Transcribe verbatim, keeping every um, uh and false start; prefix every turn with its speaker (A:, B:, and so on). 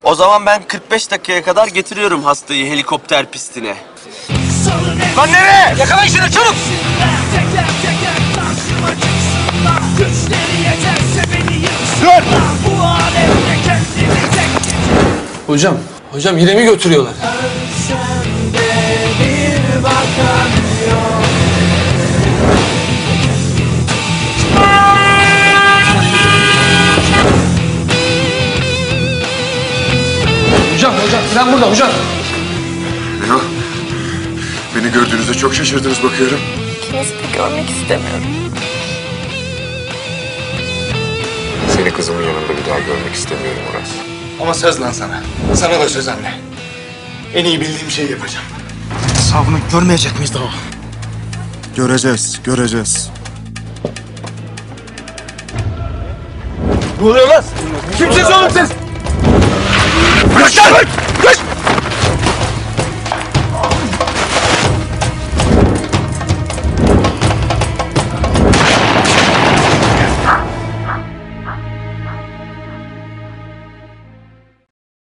A: O zaman ben kırk beş dakikaya kadar getiriyorum hastayı helikopter pistine.
B: Lan nereye? Yakalayın şunu çabuk! Dur!
C: Hocam, hocam yine mi götürüyorlar? Hocam, hocam, sen burada hocam.
D: Ne o? Beni gördüğünüzde çok şaşırdınız bakıyorum.
E: İkinizi de görmek istemiyorum.
D: Seni kızımın yanında bir daha görmek istemiyorum Uras.
B: Ama söz lan sana. Sana da söz anne. En iyi bildiğim şeyi yapacağım. Hesabını görmeyecek miyiz daha?
D: Göreceğiz, göreceğiz.
B: Ne oluyor lan? Kimsiniz oğlum siz?